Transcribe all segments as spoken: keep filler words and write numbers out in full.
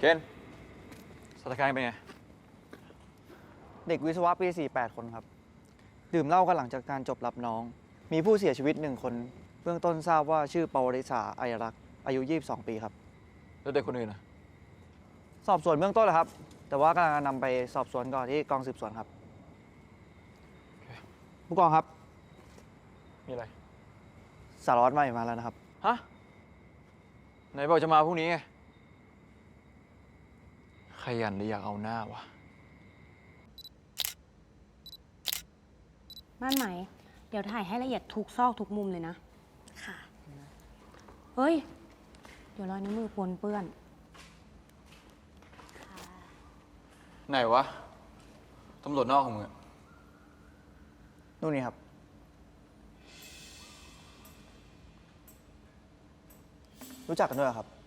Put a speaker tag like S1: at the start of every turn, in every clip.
S1: นสถานการณ์เป็นไง
S2: เด็กวิศวะปีสี่แปดคนครับดื่มเหล้ากันหลังจากการจบรับน้องมีผู้เสียชีวิตหนึ่งคนเบื้องต้นทราบว่าชื่อปวริษาอัยรักษ์อายุยี่สิบสองปีครับ
S1: แล้วเด็กคนอื่นนะ
S2: สอบสวนเบื้องต้นแล้วครับแต่ว่ากำลังนำไปสอบสวนก่อนที่กองสืบสวนครับผู้กองครับ
S1: มีอะไร
S2: สารวัตรใหม่มาแล้วนะครับ
S1: ฮะไหนบอกจะมาพรุ่งนี้ไงขยันหรืออยากเอาหน้าวะ
S3: ม่านไหมเดี๋ยวถ่ายให้ละเอียดทุกซอกทุกมุมเลยนะ
S4: ค่ะ
S3: เฮ้ย เดี๋ยวรอยนิ้วมือปนเปื้อน
S1: ไหนวะตำรวจนอกของมึง
S2: นู่นนี่ครับรู้จักกันด้วยเหรอครับ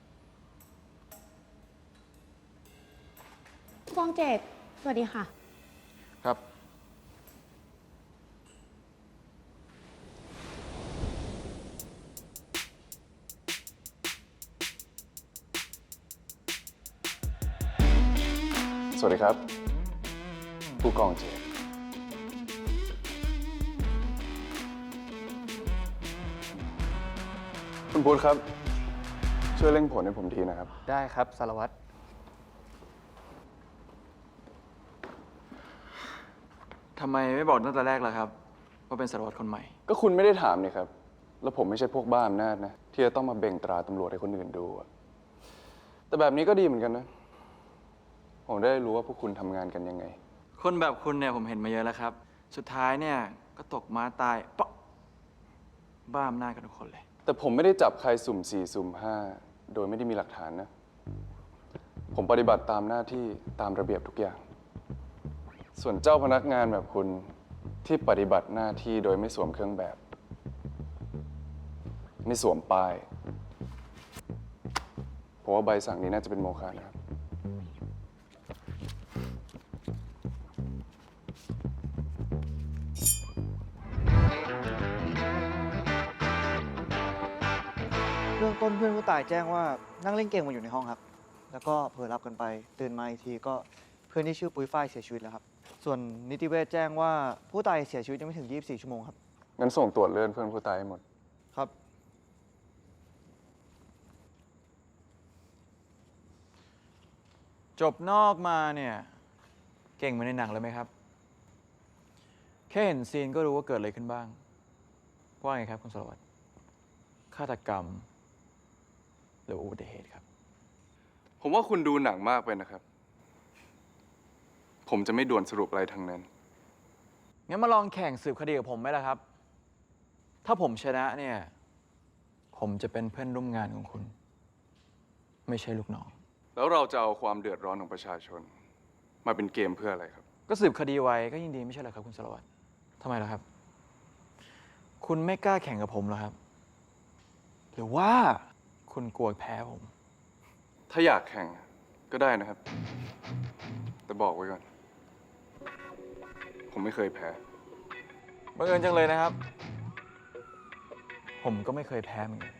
S3: ผู้กองเจตสวัสดีค่ะ
S1: ครับ
S5: สวัสดีครับ ผู้กองเจตคุณพุทธครับ ช่วยเร่งผลให้ผมทีนะครับ
S2: ได้ครับสารวัตร
S1: ทำไมไม่บอกตั้งแต่แรกล่ะครับว่าเป็นสารวัตรคนใหม่
S5: ก็คุณไม่ได้ถามนี่ครับ แล้วผมไม่ใช่พวกบ้าอำนาจนะ ที่จะต้องมาเบ่งตราตำรวจให้คนอื่นดูอะแต่แบบนี้ก็ดีเหมือนกันนะ ผมได้รู้ว่าพวกคุณทำงานกันยังไง
S1: คนแบบคุณเนี่ยผมเห็นมาเยอะแล้วครับสุดท้ายเนี่ยก็ตกม้าตายปะบ้าอำนาจกันทุกคนเลย
S5: แต่ผมไม่ได้จับใครสุ่มสี่สุ่มห้าโดยไม่ได้มีหลักฐานนะ ผมปฏิบัติตามหน้าที่ตามระเบียบทุกอย่าง ส่วนเจ้าพนักงานแบบคุณที่ปฏิบัติหน้าที่โดยไม่สวมเครื่องแบบ ไม่สวมป้ายผมว่าใบสั่งนี้น่าจะเป็นโมฆะนะครับ
S2: เบื้องต้นเพื่อนผู้ตายแจ้งว่านั่งเล่นเกมกันอยู่ในห้องครับแล้วก็เผลอหลับกันไปตื่นมาอีกทีก็เพื่อนที่ชื่อปุ้ยฝ้ายเสียชีวิตแล้วครับส่วนนิติเวชแจ้งว่าผู้ตายเสียชีวิตยังไม่ถึงยี่สิบสี่ชั่วโมงครับ
S5: งั้นส่งตรวจเลือดเพื่อนผู้ตายให้หมด
S2: ครับ
S1: จบนอกมาเนี่ยเก่งเหมือนในหนังเลยไหมครับแค่เห็นซีนก็รู้ว่าเกิดอะไรขึ้นบ้างว่าไงครับคุณสารวัตรฆาตกรรมหรืออุบัติเหตุครับ
S5: ผมว่าคุณดูหนังมากไปนะครับ ผมจะไม่ด่วนสรุปอะไรทั้งนั้น
S1: งั้นมาลองแข่งสืบคดีกับผมไหมล่ะครับถ้าผมชนะเนี่ยผมจะเป็นเพื่อนร่วมงานของคุณไม่ใช่ลูกน้อง
S5: แล้วเราจะเอาความเดือดร้อนของประชาชน มาเป็นเกมเพื่ออะไรครับ
S1: ก็สืบคดีไว้ก็ยิ่งดีไม่ใช่เหรอครับคุณสารวัตรทำไมล่ะครับคุณไม่กล้าแข่งกับผมเหรอครับหรือว่าคุณกลัวแพ้ผม
S5: ถ้าอยากแข่งก็ได้นะครับ แต่บอกไว้ก่อน ผมไม่เคยแพ้
S1: บังเอิญจังเลยนะครับผมก็ไม่เคยแพ้เหมือนกัน